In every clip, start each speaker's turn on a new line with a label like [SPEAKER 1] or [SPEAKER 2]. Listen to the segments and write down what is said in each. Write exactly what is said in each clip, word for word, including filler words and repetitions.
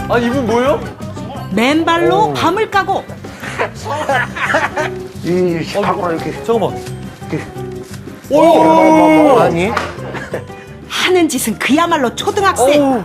[SPEAKER 1] 아니 이분 뭐예요?
[SPEAKER 2] 맨발로 밤을 까고
[SPEAKER 3] 이 밖으로 이렇게
[SPEAKER 1] 잠깐만.
[SPEAKER 3] 오 아니
[SPEAKER 2] 하는 짓은 그야말로 초등학생.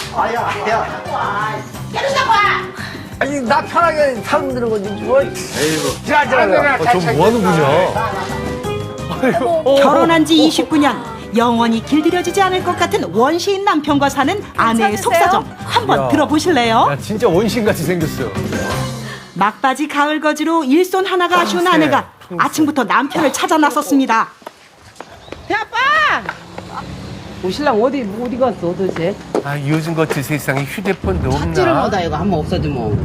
[SPEAKER 3] 아니 나 편하게 사람들은 건지 뭐 에이구 자자자
[SPEAKER 1] 아, 저 뭐 하는 분이야? 아이고.
[SPEAKER 2] 결혼한 지 이십구 년, 영원히 길들여지지 않을 것 같은 원시인 남편과 사는 아내의 속사정 한번
[SPEAKER 1] 야.
[SPEAKER 2] 들어보실래요?
[SPEAKER 1] 야 진짜 원신같이 생겼어요.
[SPEAKER 2] 막바지 가을 거지로 일손 하나가 아쉬운 아내가 아침부터 남편을 찾아 나섰습니다.
[SPEAKER 4] 야, 아빠! 오 신랑 어디 어디 갔어 도대체?
[SPEAKER 3] 아 요즘 같은 세상에 휴대폰도
[SPEAKER 4] 삽질을
[SPEAKER 3] 없나
[SPEAKER 4] 못하 이거 한번 없어지 뭐.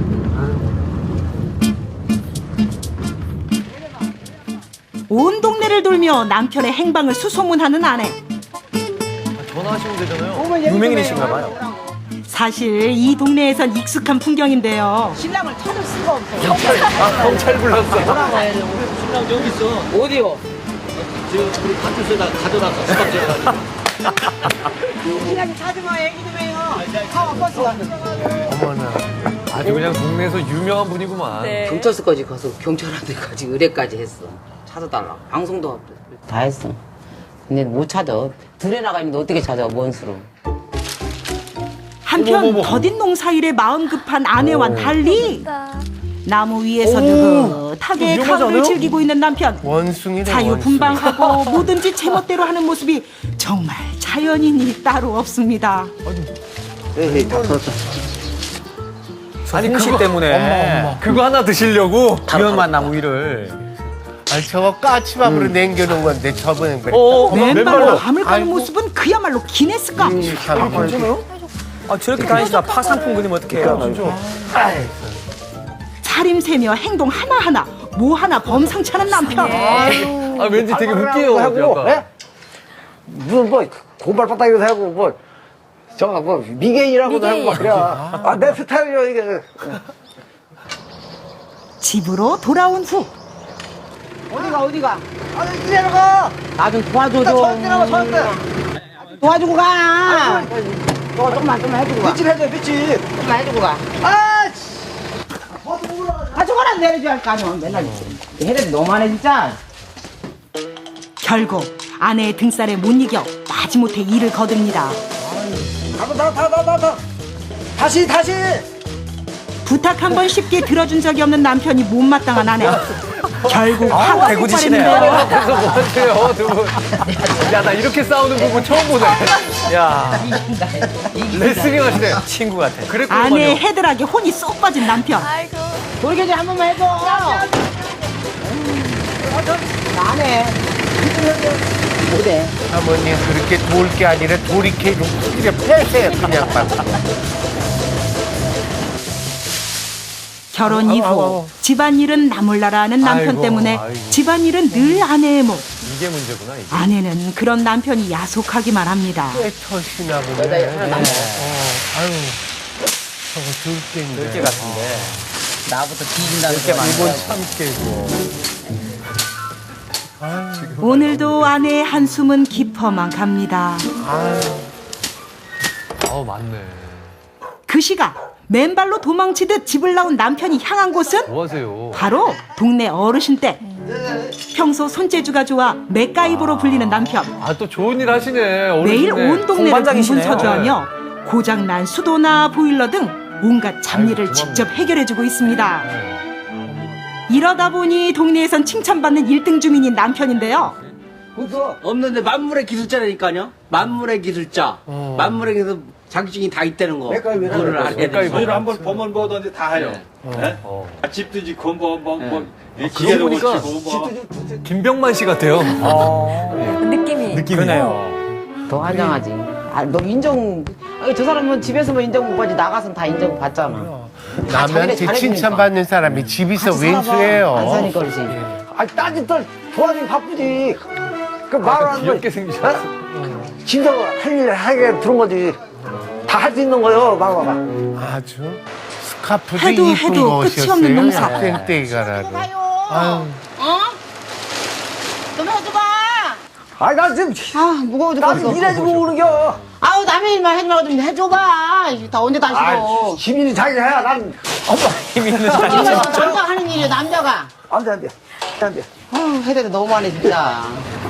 [SPEAKER 2] 온 동네를 돌며 남편의 행방을 수소문하는 아내.
[SPEAKER 1] 아, 전화하시면 되잖아요.
[SPEAKER 4] 어머, 얘기 좀
[SPEAKER 1] 유명인이신가
[SPEAKER 4] 해요.
[SPEAKER 1] 봐요.
[SPEAKER 2] 사실 이 동네에선 익숙한 풍경인데요.
[SPEAKER 4] 신랑을 찾을 수가 없어.
[SPEAKER 1] 아 경찰 불렀어.
[SPEAKER 4] 돌아가야 돼.
[SPEAKER 5] 신랑 여기 있어.
[SPEAKER 4] 어디요?
[SPEAKER 5] 지금 우리 파트에다 가져놨어. 수납장에다.
[SPEAKER 4] 신랑이 찾으면 얘기 좀 해요. 아, 버스 가는.
[SPEAKER 3] 어머나
[SPEAKER 1] 아주 그냥 동네에서 유명한 분이구만.
[SPEAKER 4] 경찰서까지 가서 경찰한테까지 의뢰까지 했어. 찾아달라. 방송도 하고. 다 했어. 근데 못 찾아. 둘에 나가 있는데 어떻게 찾아? 뭔 수로?
[SPEAKER 2] 한편
[SPEAKER 1] 어머머머.
[SPEAKER 2] 더딘 농사일에 마음 급한 아내와는 달리 나무 위에서 느긋하게
[SPEAKER 1] 이거 위험하지
[SPEAKER 2] 가을을
[SPEAKER 1] 않아요?
[SPEAKER 2] 즐기고 있는 남편.
[SPEAKER 3] 원숭이네
[SPEAKER 2] 자유분방하고 뭐든지 제멋대로 하는 모습이 정말 자연인이 따로 없습니다.
[SPEAKER 3] 에이 다 풀었어
[SPEAKER 1] 아니
[SPEAKER 6] 홍시
[SPEAKER 1] 그거
[SPEAKER 6] 때문에
[SPEAKER 3] 엄마, 엄마.
[SPEAKER 1] 그거 하나 드시려고.
[SPEAKER 6] 위험한 나무 위를
[SPEAKER 3] 아니 저거 까치밥으로 남겨놓은 건데 저번에 그래
[SPEAKER 1] 어,
[SPEAKER 2] 맨발로
[SPEAKER 1] 맨발로.
[SPEAKER 2] 밤을 가는
[SPEAKER 3] 아이고.
[SPEAKER 2] 모습은 그야말로 기네스급.
[SPEAKER 3] 이 참,
[SPEAKER 6] 아 저렇게 다니시다 파상풍 그리면 어떡해요?
[SPEAKER 2] 차림새며 행동 하나하나 뭐 하나 범상치 않은 남편.
[SPEAKER 1] 아 왠지 되게 웃겨요.
[SPEAKER 3] 하고
[SPEAKER 1] 약간.
[SPEAKER 3] 예? 무슨 뭐 고발 바닥에서 하고 뭐 저거 뭐 미개인이라고도 하고 막 그래 아내 스타일이야 이게
[SPEAKER 2] 집으로 돌아온 후
[SPEAKER 4] 어디가 어디가?
[SPEAKER 3] 아니 이리로 가
[SPEAKER 4] 나 좀 도와줘 좀.
[SPEAKER 3] 저한테 나와 저한테
[SPEAKER 4] 도와주고 가. 너 조금만 좀만 해주고 가.
[SPEAKER 3] 빗질 해줘 빗질
[SPEAKER 4] 조금만 해주고 가.
[SPEAKER 3] 아
[SPEAKER 4] 아 저거나 내려줘야 할 거 아니야. 맨날 해를 너무하네 진짜.
[SPEAKER 2] 결국 아내의 등살에 못 이겨 마지못해 일을 거둡니다.
[SPEAKER 3] 다다다다다다 다시 다시
[SPEAKER 2] 부탁 한 번 쉽게 들어준 적이 없는 남편이 못마땅한 아내. 결국 화가
[SPEAKER 6] 대구지시네요.
[SPEAKER 2] 폭발했는데요.
[SPEAKER 1] 그래서 뭐 하세요 두 분? 야 나 이렇게 싸우는 부분 처음 보네.
[SPEAKER 6] 야
[SPEAKER 1] 레슬링 하시네.
[SPEAKER 6] 친구 같아.
[SPEAKER 2] 아내의
[SPEAKER 1] 그랬구만요.
[SPEAKER 2] 헤드락에 혼이 쏙 빠진 남편.
[SPEAKER 4] 돌개질 한 번만 해줘. 나네. 못해.
[SPEAKER 3] 아버님 그렇게 돌 게 아니라 돌이켜로 이렇게 패세요 그냥 막
[SPEAKER 2] 결혼 이후
[SPEAKER 3] 아우, 아우.
[SPEAKER 2] 집안일은 나몰라라 하는 남편
[SPEAKER 1] 아이고,
[SPEAKER 2] 때문에
[SPEAKER 1] 아이고.
[SPEAKER 2] 집안일은 늘 아내의 몫.
[SPEAKER 1] 이게 문제구나 이게.
[SPEAKER 2] 아내는 그런 남편이 야속하기만 합니다.
[SPEAKER 3] 꽤 터시나 보네 어, 아유 저거 들깨인데
[SPEAKER 6] 들깨 같은데.
[SPEAKER 4] 나부터 뒤진다는
[SPEAKER 6] 이렇게 많이
[SPEAKER 3] 이번 참깨고
[SPEAKER 2] 오늘도 아내의 한숨은 깊어만 갑니다.
[SPEAKER 1] 아우 맞네.
[SPEAKER 2] 그 시각 맨발로 도망치듯 집을 나온 남편이 향한 곳은
[SPEAKER 1] 뭐 하세요?
[SPEAKER 2] 바로 동네 어르신 댁. 평소 손재주가 좋아 맥가이버로 불리는 남편.
[SPEAKER 1] 아 또 좋은 일 하시네.
[SPEAKER 2] 매일
[SPEAKER 1] 어르신네.
[SPEAKER 2] 온 동네를
[SPEAKER 6] 공반장이시네요.
[SPEAKER 2] 공분서주하며 고장난 수도나 보일러 등 온갖 잡일을
[SPEAKER 1] 아이고,
[SPEAKER 2] 직접 해결해주고 있습니다. 이러다 보니 동네에선 칭찬받는 일 등 주민인 남편인데요.
[SPEAKER 5] 없는데 만물의 기술자라니까요. 만물의 기술자. 만물의 기술 자격증이 다 있다는 거. 그거를 알아야 돼.
[SPEAKER 1] 맥가이버.
[SPEAKER 7] 저희는 한번 보면 뭐든지 다 해요. 네?
[SPEAKER 1] 어.
[SPEAKER 7] 아, 집도 짓고 뭐 뭐 뭐
[SPEAKER 1] 그러고
[SPEAKER 7] 기계도
[SPEAKER 1] 보니까
[SPEAKER 7] 고치고 뭐
[SPEAKER 1] 김병만 씨 같아요.
[SPEAKER 8] 느낌이
[SPEAKER 1] 느낌이.
[SPEAKER 6] 그러네요.
[SPEAKER 4] 더 환장하지. 아, 너 인정. 아니, 저 사람은 집에서만 인정 못 받지 나가서는 다 인정 받잖아. 다 자기네
[SPEAKER 3] 남한테
[SPEAKER 4] 잘해주니까.
[SPEAKER 3] 칭찬받는 사람이 집에서
[SPEAKER 4] 같이 살아봐.
[SPEAKER 3] 왼수예요
[SPEAKER 4] 안 사니까 그러지.
[SPEAKER 3] 아 따뜻들 도와주기 바쁘지 그 말하는 거
[SPEAKER 1] 귀엽게 생기셨어.
[SPEAKER 3] 진짜 할일 하게 들은 거지 다 할 수 있는 거요 봐봐봐 아주 스카프도
[SPEAKER 2] 해도
[SPEAKER 3] 이쁜
[SPEAKER 2] 해도
[SPEAKER 3] 거
[SPEAKER 2] 끝이
[SPEAKER 3] 오셨어요
[SPEAKER 2] 없는 농사.
[SPEAKER 3] 땡땡이가라도 아유
[SPEAKER 4] 어? 좀 해줘봐.
[SPEAKER 3] 아나 지금
[SPEAKER 4] 아, 무거워
[SPEAKER 3] 나
[SPEAKER 4] 죽겠어.
[SPEAKER 3] 이래지 모르는겨
[SPEAKER 4] 아우 남의 일만 해지 말고 좀 해줘봐. 이게 다 언제 다
[SPEAKER 3] 아,
[SPEAKER 4] 싫어.
[SPEAKER 3] 시민이 자기가 해야 난
[SPEAKER 6] 힘 있는
[SPEAKER 4] 이거 남자가 하는 일이야 남자가.
[SPEAKER 3] 안돼 안돼 안돼.
[SPEAKER 4] 아우 해야 돼 너무하네 진짜.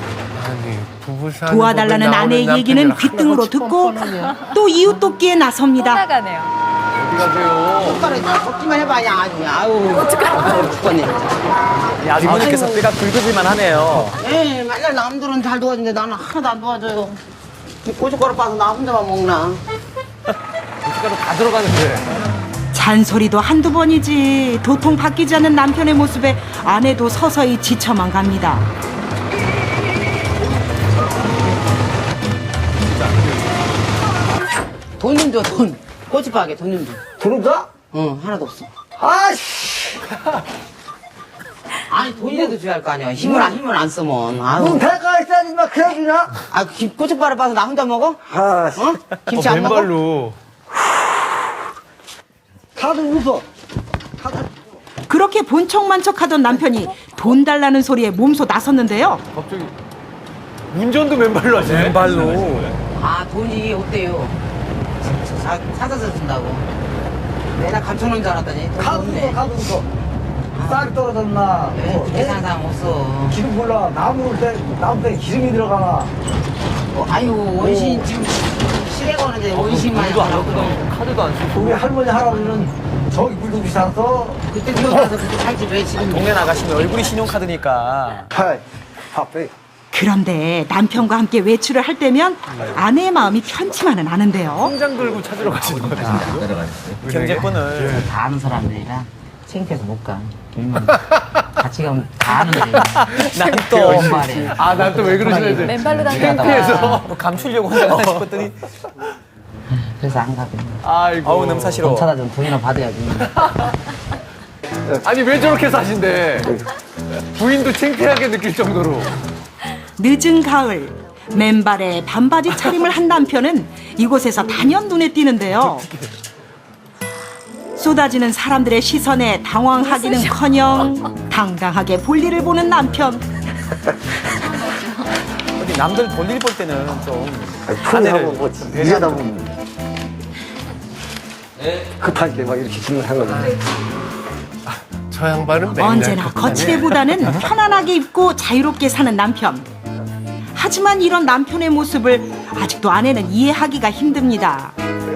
[SPEAKER 2] 도와달라는 아내의 얘기는 귓등으로 듣고 또 이웃 돕기에 나섭니다.
[SPEAKER 8] 나가네요.
[SPEAKER 1] 어디 가세요?
[SPEAKER 4] 손가락에 걷기만 해봐 그냥 아주 그냥. 아우 죽겠네 진짜.
[SPEAKER 6] 아주머니께서 뼈가 굵으실만 하네요.
[SPEAKER 4] 에 맨날 남들은 잘 도와주는데 나는 하나도 안 도와줘요. 이 고춧가루 빠서 나 혼자만 먹나.
[SPEAKER 1] 고춧가루 다 들어가는데.
[SPEAKER 2] 잔소리도 한두 번이지 도통 바뀌지 않는 남편의 모습에 아내도 서서히 지쳐만 갑니다.
[SPEAKER 4] 돈 좀 줘 돈. 고춧가루에 돈 좀 줘.
[SPEAKER 3] 돈은 다?
[SPEAKER 4] 응 하나도 없어.
[SPEAKER 3] 아씨.
[SPEAKER 4] 아니 돈이라도 줘야 할 거 아니야. 힘을 안 힘을 안 쓰면.
[SPEAKER 3] 넌
[SPEAKER 4] 아유.
[SPEAKER 3] 대가 있어야지 막 그래 주냐?
[SPEAKER 4] 아 김- 고춧가루 빠서 나 혼자 먹어?
[SPEAKER 3] 아, 씨.
[SPEAKER 4] 어? 김치 안 먹어?
[SPEAKER 6] 맨발로.
[SPEAKER 3] 카드 웃어.
[SPEAKER 2] 그렇게 본척만 척하던 남편이 돈 달라는 소리에 몸소 나섰는데요.
[SPEAKER 1] 갑자기 운전도 맨발로 하시네.
[SPEAKER 6] 맨발로.
[SPEAKER 4] 아 돈이 없대요. 사, 사서 준다고. 내가 감춰놓은 줄 알았더니 돈이
[SPEAKER 3] 카드
[SPEAKER 4] 없네.
[SPEAKER 3] 웃어 카드 웃어. 쌀이 떨어졌나?
[SPEAKER 4] 왜
[SPEAKER 3] 뭐,
[SPEAKER 4] 그렇게 사는 사람 없어.
[SPEAKER 3] 기름 몰라. 나무 때 나무 때 기름이 들어가나?
[SPEAKER 4] 어, 아유 원신 지금 시댁 오는데 원신만
[SPEAKER 1] 돈도 안
[SPEAKER 4] 하라고.
[SPEAKER 1] 넣고 카드도 안 쓰고.
[SPEAKER 3] 우리 할머니 할아버지는 저기 물도 비쌌어.
[SPEAKER 4] 그때 들어가서 그때 살지 왜 지금.
[SPEAKER 6] 동네 나가시면 얼굴이 신용카드니까.
[SPEAKER 3] 하이, 하페.
[SPEAKER 2] 그런데 남편과 함께 외출을 할 때면 아내의 마음이 편치만은 않은데요.
[SPEAKER 1] 통장 들고 찾으러 가시는 거예요.
[SPEAKER 6] 경제권을.
[SPEAKER 4] 다 아는 사람들이라 창피해서 못 가. 돈만 같이 가면 다 아는 애들.
[SPEAKER 6] 난 또.
[SPEAKER 4] 말이야.
[SPEAKER 1] 아, 난 또 왜 그러시는지.
[SPEAKER 8] 맨발로 다니다가.
[SPEAKER 1] 창피해서.
[SPEAKER 6] 뭐 감추려고 혼자 가나 싶었더니.
[SPEAKER 4] 그래서 안 가고.
[SPEAKER 1] 아이고.
[SPEAKER 6] 아우, 냄새 싫어.
[SPEAKER 4] 돈 찾아 좀 돈이나 받아야지.
[SPEAKER 1] 아니, 왜 저렇게 사신대? 부인도 창피하게 느낄 정도로.
[SPEAKER 2] 늦은 가을 맨발에 반바지 차림을 한 남편은 이곳에서 단연 눈에 띄는데요. 쏟아지는 사람들의 시선에 당황하기는커녕 당당하게 볼일을 보는 남편.
[SPEAKER 6] 어디 남들 볼일 볼 때는 좀.
[SPEAKER 3] 아내를 뭐 이러다 보면 급할 때 막 이렇게 질문하거든요.
[SPEAKER 9] 저 양반은 맨날
[SPEAKER 2] 언제나
[SPEAKER 9] 그렇게 하네.
[SPEAKER 2] 거칠보다는 편안하게 입고 자유롭게 사는 남편. 하지만 이런 남편의 모습을 아직도 아내는 이해하기가 힘듭니다.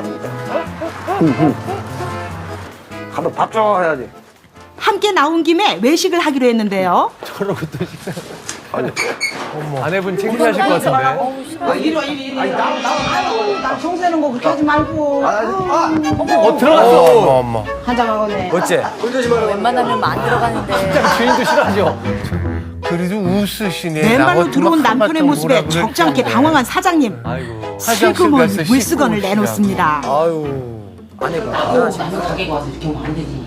[SPEAKER 3] 가서 밥 줘 해야지.
[SPEAKER 2] 함께 나온 김에 외식을 하기로 했는데요.
[SPEAKER 1] 저러고 또 식사. 아니, 아내분 창피하실 것 같은데.
[SPEAKER 4] 아, 이리 와, 이리, 이리. 나, 나, 나, 나 청소하는 거 그렇게 하지 말고.
[SPEAKER 3] 아, 아,
[SPEAKER 1] 어, 들어갔어.
[SPEAKER 9] 어머 어머.
[SPEAKER 4] 한잔 먹었네.
[SPEAKER 6] 어째?
[SPEAKER 8] 웬만하면 안 들어가는데.
[SPEAKER 1] 진짜 주인도 싫어하죠.
[SPEAKER 9] 그래도 웃으시네. 나
[SPEAKER 2] 맨발로
[SPEAKER 9] 같으면
[SPEAKER 2] 들어온 남편의
[SPEAKER 9] 한바탕
[SPEAKER 2] 모습에
[SPEAKER 9] 뭐라
[SPEAKER 2] 적지 않게
[SPEAKER 9] 그랬겠네.
[SPEAKER 2] 당황한 사장님.
[SPEAKER 1] 아이고.
[SPEAKER 2] 슬그머니
[SPEAKER 9] 화장실 가서
[SPEAKER 2] 물수건을
[SPEAKER 9] 씻고
[SPEAKER 2] 내놓습니다.
[SPEAKER 6] 아유. 아내분.
[SPEAKER 4] 남들 가게 가서 이렇게 하면 안 되지.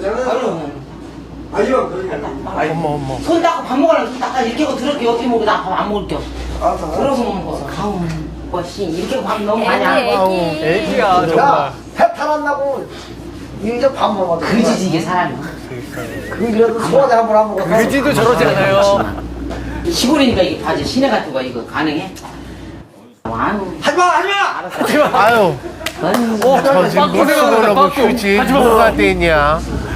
[SPEAKER 9] 어머 어머.
[SPEAKER 4] 손 닦고 밥 먹으려면 손 닦아. 이렇게 하고 들을게. 어떻게 먹어. 나 밥 안 먹을 게 없어. 들어서 먹는 거서. 아우, 뭐씨. 이렇게 밥 너무 많이 안 먹어.
[SPEAKER 8] 애기, 애기.
[SPEAKER 1] 애기야, 정말.
[SPEAKER 3] 야, 배탈 안 나고 이제 밥 먹어.
[SPEAKER 4] 그지지, 이게 사람이.
[SPEAKER 3] 그래도 소화제 한번 안 먹어.
[SPEAKER 1] 그지도 저러지 않아요.
[SPEAKER 4] 시골이니까 이게 바지 시내 같은 거 이거 가능해? 아유.
[SPEAKER 3] 하지마, 하지마.
[SPEAKER 9] 아유. 저 지금
[SPEAKER 1] 빵꾸
[SPEAKER 9] 못
[SPEAKER 1] 생각나네,
[SPEAKER 9] 쓰고
[SPEAKER 1] 빵꾸.
[SPEAKER 9] 그지
[SPEAKER 1] 하지 마.
[SPEAKER 9] 뭐가 되냐.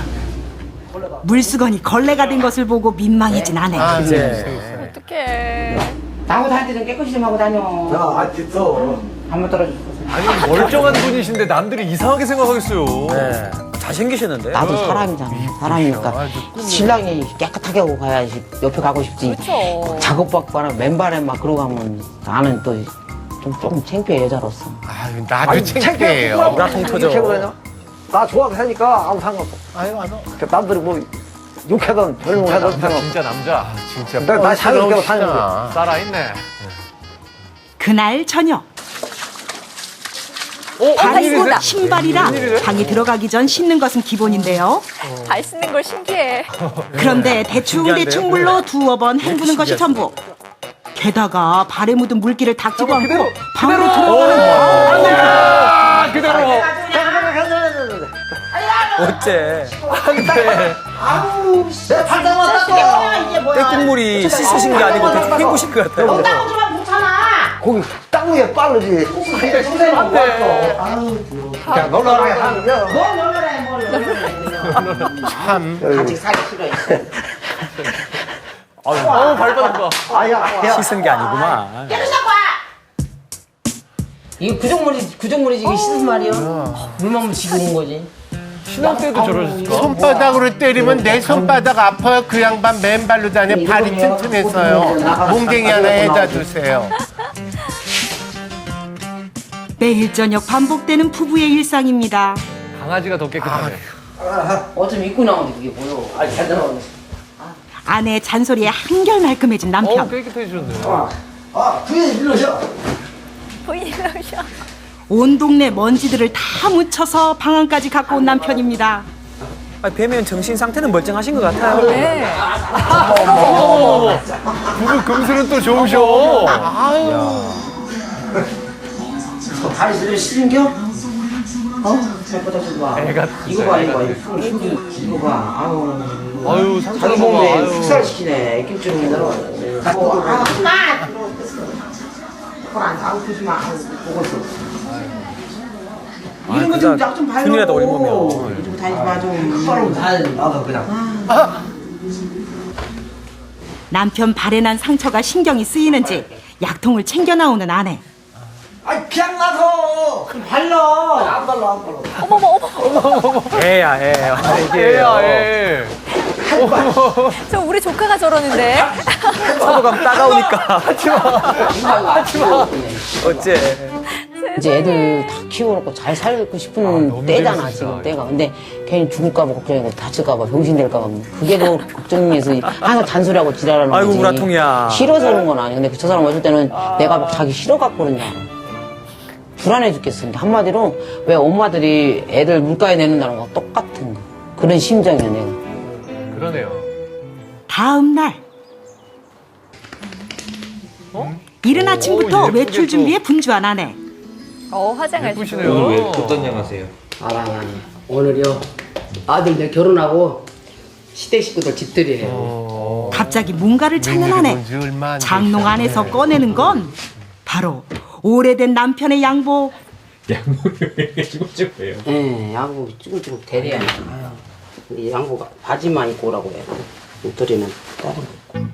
[SPEAKER 2] 물수건이 걸레가 된 것을 보고 민망해진 아내.
[SPEAKER 9] 아,
[SPEAKER 6] 이제.
[SPEAKER 8] 어떡해.
[SPEAKER 4] 나하고 다닐 때는 깨끗이 좀 하고 다녀.
[SPEAKER 3] 야, 아, 됐어.
[SPEAKER 4] 한번 떨어져.
[SPEAKER 1] 아니, 멀쩡한 분이신데 남들이 이상하게 생각하겠어요.
[SPEAKER 6] 네. 잘생기셨는데?
[SPEAKER 4] 나도 사람이잖아. 사람이니까. 신랑이 깨끗하게 하고 가야지 옆에 가고 싶지.
[SPEAKER 8] 그렇죠.
[SPEAKER 4] 작업받거나 맨발에 막 그러고 가면 나는 또 좀 조금 창피해 여자로서.
[SPEAKER 9] 아유 나도 창피해요.
[SPEAKER 6] 우라통 터져.
[SPEAKER 3] 이렇게 그러냐? 나 좋아서 하니까 아무 상관없어.
[SPEAKER 9] 아유 안 와.
[SPEAKER 3] 그 남들이 뭐 욕하던 별명하던
[SPEAKER 1] 남자,
[SPEAKER 3] 상관없어.
[SPEAKER 1] 진짜 남자.
[SPEAKER 9] 진짜
[SPEAKER 3] 나- 나 자유롭게 사는
[SPEAKER 9] 뻔스러우시다.
[SPEAKER 1] 살아있네.
[SPEAKER 2] 그날 저녁
[SPEAKER 1] 어,
[SPEAKER 2] 발이고
[SPEAKER 8] 웬일이세요?
[SPEAKER 2] 신발이랑 방에 들어가기 전 씻는 것은 기본인데요.
[SPEAKER 8] 발 씻는 걸 신기해.
[SPEAKER 2] 그런데 대충
[SPEAKER 6] 신기한데요?
[SPEAKER 2] 대충 물로 두어 번 헹구는 것이 전부. 게다가 발에 묻은 물기를 닦지도 않고 방으로 들어가는 거.
[SPEAKER 1] 아, 그대로.
[SPEAKER 6] 어째?
[SPEAKER 3] 내발 담았다.
[SPEAKER 4] 이게 뭐야?
[SPEAKER 6] 떼국물이 씻으신 게 아니고 대충 헹구신 것 같아요.
[SPEAKER 4] 나오지만 못하나.
[SPEAKER 3] 거기 딱 한국에 빠르지. 선생님 왔어. 아유, 그냥 놀러라 하면.
[SPEAKER 4] 뭐 놀러라 해, 뭘 놀러라
[SPEAKER 9] 참.
[SPEAKER 4] 아직 살기 싫어.
[SPEAKER 1] 어우, 발바닥 봐.
[SPEAKER 3] 아야, 야.
[SPEAKER 6] 씻은 게 아니구만.
[SPEAKER 4] 이거 구정물이 구정물이 지금 씻은 말이야. 물만 묻히고 온 거지.
[SPEAKER 1] 신혼 때도 저러셨을까?
[SPEAKER 9] 손바닥으로 때리면 내 손바닥 아파요. 그 양반 맨발로 다녀. 발이 튼튼해서요. 몽댕이 하나 해다 주세요.
[SPEAKER 2] 매일 저녁 반복되는 부부의 일상입니다.
[SPEAKER 1] 강아지가 더 깨끗하네.
[SPEAKER 4] 어쩜 입고 나오는데 그게 보여. 아, 잘 나오네.
[SPEAKER 2] 아내의 잔소리에 한결 말끔해진
[SPEAKER 1] 어우,
[SPEAKER 2] 남편.
[SPEAKER 1] 깨끗해지셨네.
[SPEAKER 3] 아, 부인이 일러셔.
[SPEAKER 8] 보이는 셔.
[SPEAKER 2] 온 동네 먼지들을 다 묻혀서 방안까지 갖고 온 남편입니다.
[SPEAKER 6] 아, 뵈면 정신 상태는 멀쩡하신 것 같아요.
[SPEAKER 8] 네.
[SPEAKER 1] 어머머머. 부부 금슬은 또 좋으셔.
[SPEAKER 4] 다리 들려 씻은겨? 어, 잘 뻗어 좀 봐.
[SPEAKER 1] 애가
[SPEAKER 4] 이거 봐, 이거 봐. 이거 흉기, 이거 봐. 아우.
[SPEAKER 1] 아유,
[SPEAKER 4] 자기
[SPEAKER 1] 상처를
[SPEAKER 4] 몸에
[SPEAKER 1] 봐봐.
[SPEAKER 4] 흑살 시키네. 애기줄이 들어. 아, 엄마! 그안 사고 크지 마. 보고서. 이런 거 좀 약 좀 발라.
[SPEAKER 6] 손이라도 올리면.
[SPEAKER 4] 이러고 다니지 마, 좀.
[SPEAKER 3] 바로 다 나도 그냥.
[SPEAKER 2] 남편 발에 난 상처가 신경이 쓰이는지 약통을 챙겨 나오는 아내.
[SPEAKER 3] 아이, 그냥 놔둬. 발라. 안 발라, 안 발라.
[SPEAKER 8] 어머머, 어머.
[SPEAKER 6] 애야, 애.
[SPEAKER 1] 애야, 애.
[SPEAKER 8] 저 우리 조카가 저러는데.
[SPEAKER 6] 서로 가면 따가우니까.
[SPEAKER 4] 하지 마.
[SPEAKER 6] 어째.
[SPEAKER 4] 이제 애들 다 키워놓고 잘 살고 싶은
[SPEAKER 1] 너무
[SPEAKER 4] 때잖아,
[SPEAKER 1] 재밌으시다.
[SPEAKER 4] 지금 때가. 근데 괜히 죽을까봐 걱정이고 다칠까봐 병신될까봐 그게 더 걱정해서 항상 잔소리하고 지랄하는 거지.
[SPEAKER 6] 아이고, 우라통이야.
[SPEAKER 4] 싫어서 그런 건 아니야. 근데 저 사람 어쩔 때는 내가 막 자기 싫어갖고 그런다. 불안해 죽겠어. 근데 한마디로 왜 엄마들이 애들 물가에 내는다는 거 똑같은 거. 그런 심정이야, 내가.
[SPEAKER 1] 그러네요.
[SPEAKER 2] 다음 날. 이른 아침부터
[SPEAKER 1] 오, 예쁘게
[SPEAKER 2] 외출
[SPEAKER 1] 또.
[SPEAKER 2] 준비에 분주한 아내.
[SPEAKER 8] 어, 화장하시고.
[SPEAKER 1] 예쁘시네요.
[SPEAKER 4] 아, 오늘요. 아들들 결혼하고 시댁 식구들 집들이에요.
[SPEAKER 2] 갑자기 뭔가를 찾는
[SPEAKER 9] 웬일이
[SPEAKER 2] 아내.
[SPEAKER 9] 뭔지 얼마 안
[SPEAKER 2] 장롱
[SPEAKER 9] 됐어요.
[SPEAKER 2] 안에서 꺼내는 건 바로 오래된 남편의 양복.
[SPEAKER 4] 예, 양복 쭈글쭈글 대려야 돼. 이 양복 바지만 입고 오라고 해요. 옷들이는 따로 입고.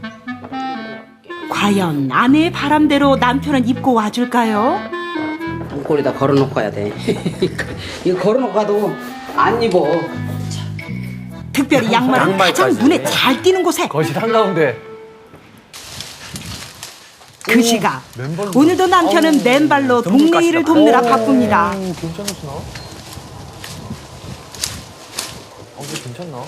[SPEAKER 2] 과연 아내의 바람대로 남편은 입고 와줄까요?
[SPEAKER 4] 문고리다 걸어놓고 가야 돼. 이거 걸어놓고 가도 안 입어.
[SPEAKER 2] 특별히 양말을
[SPEAKER 6] 양말까지.
[SPEAKER 2] 가장 눈에 잘 띄는 곳에.
[SPEAKER 1] 거실 한가운데.
[SPEAKER 2] 그 시각
[SPEAKER 1] 맨발로.
[SPEAKER 2] 오늘도 남편은 맨발로 동네 일을 돕느라 바쁩니다.
[SPEAKER 1] 괜찮으시나? 어, 이거 괜찮나?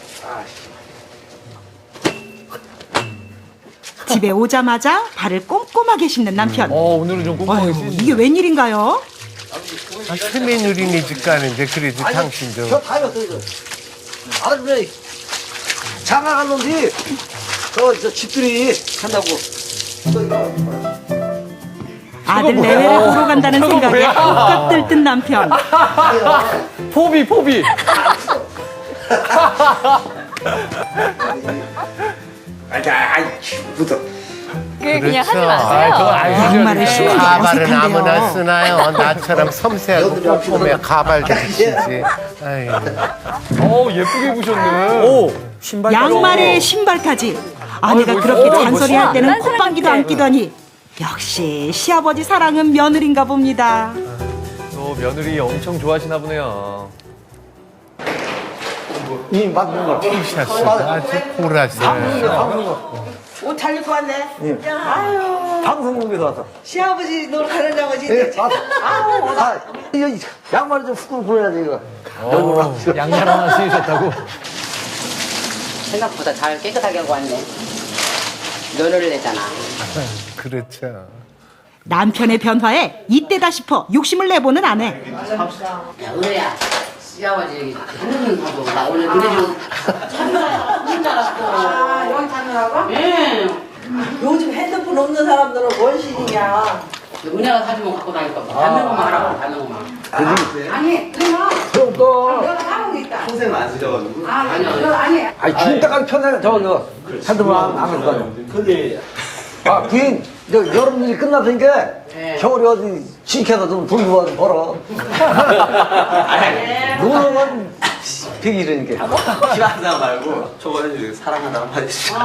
[SPEAKER 2] 집에 오자마자 발을 꼼꼼하게 씻는 남편.
[SPEAKER 1] 어, 오늘은 좀 꼼꼼하게
[SPEAKER 2] 아유,
[SPEAKER 1] 씻으시네.
[SPEAKER 2] 이게 웬일인가요?
[SPEAKER 9] 아, 큰애누리네 집 가는데 그래도 당신도.
[SPEAKER 3] 저 타요, 또 이거. 아들, 장가 갔는데, 저, 저 집들이 한다고.
[SPEAKER 2] 아들 내외를 보러 간다는
[SPEAKER 1] 저거
[SPEAKER 2] 생각에
[SPEAKER 1] 뭐야?
[SPEAKER 2] 꽉 들뜬 남편.
[SPEAKER 1] 포비, 포비.
[SPEAKER 3] 아이, 아이, 묻어.
[SPEAKER 8] 그 그냥 하지
[SPEAKER 9] 그렇죠.
[SPEAKER 8] 마세요.
[SPEAKER 1] 그건 아니죠.
[SPEAKER 2] 양말을 신는 게
[SPEAKER 9] 가발은 아무나
[SPEAKER 2] 어색한데요.
[SPEAKER 9] 쓰나요? 나처럼 섬세하고 꼼꼼해 가발도 쓰지. 아유.
[SPEAKER 1] 어, 예쁘게 입으셨네.
[SPEAKER 6] 오, 신발.
[SPEAKER 2] 양말에 신발까지. 아내가
[SPEAKER 1] 아이고,
[SPEAKER 2] 그렇게
[SPEAKER 1] 멋있다.
[SPEAKER 2] 잔소리할 때는
[SPEAKER 8] 난
[SPEAKER 2] 콧방귀도
[SPEAKER 8] 사람
[SPEAKER 2] 안 끼더니 역시 시아버지 사랑은 며느리인가 봅니다.
[SPEAKER 1] 또 며느리 엄청 좋아하시나 보네요.
[SPEAKER 3] 이 맞는 거.
[SPEAKER 9] 티셔츠가 아주 보라색.
[SPEAKER 4] 옷 잘 입고 왔네.
[SPEAKER 3] 방송국에서 왔어.
[SPEAKER 4] 시아버지 너 가는 아버지.
[SPEAKER 3] 예, 왔어. 아, 이거 양말을 좀 후끈 불어야지, 이거.
[SPEAKER 1] 어, 양말 하나 신으셨다고?
[SPEAKER 4] 생각보다 잘 깨끗하게 하고 왔네. 면허를 냈잖아.
[SPEAKER 9] 그렇죠.
[SPEAKER 2] 남편의 변화에 이때다 싶어 욕심을 내보는 아내.
[SPEAKER 4] 야, 은혜야. 시아버지 여기 하늘은 가도 나 오늘 은혜 좀 찾느라 줄 알았어. 아, 여기 찾느라고? 예.
[SPEAKER 10] 요즘 핸드폰 없는 사람들은 뭔 신이냐.
[SPEAKER 4] 은혜가 사주면 갖고 다닐 거야. 받는 것만 하라고, 받는 것만. 아니, 그러면
[SPEAKER 3] 또,
[SPEAKER 4] 내가 사먹고 있다.
[SPEAKER 7] 평생 많으셔가지고.
[SPEAKER 4] 아, 아니요. 아니.
[SPEAKER 3] 아니, 죽을 때까지 편하게 저거, 너, 핸드폰 안, 안 가지고 다녀.
[SPEAKER 7] 근데
[SPEAKER 3] 아, 부인, 저 여름일이 끝났으니까 겨울에 어디 지켜서 좀 돈도 와서 벌어. 노는 건 백일이니까.
[SPEAKER 5] 싫어하다 말고 저거 해주세요. 사랑한다 한마디 해주세요.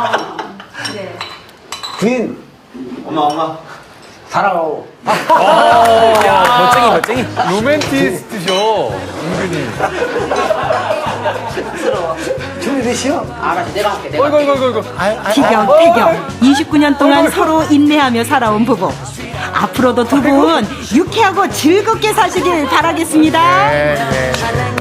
[SPEAKER 3] 부인
[SPEAKER 5] 엄마 엄마.
[SPEAKER 3] 사랑하고.
[SPEAKER 1] 야, 멋쟁이, 멋쟁이. 로맨티스트죠, 은근히.
[SPEAKER 3] 준비되시오?
[SPEAKER 4] 알았어, 내가 할게, 내가.
[SPEAKER 1] 어이구, 어이구, 어이구.
[SPEAKER 2] 티격태격 이십구 년 동안 서로 인내하며 살아온 부부. 앞으로도 두 분 유쾌하고 즐겁게 사시길 바라겠습니다.
[SPEAKER 9] 네, 네.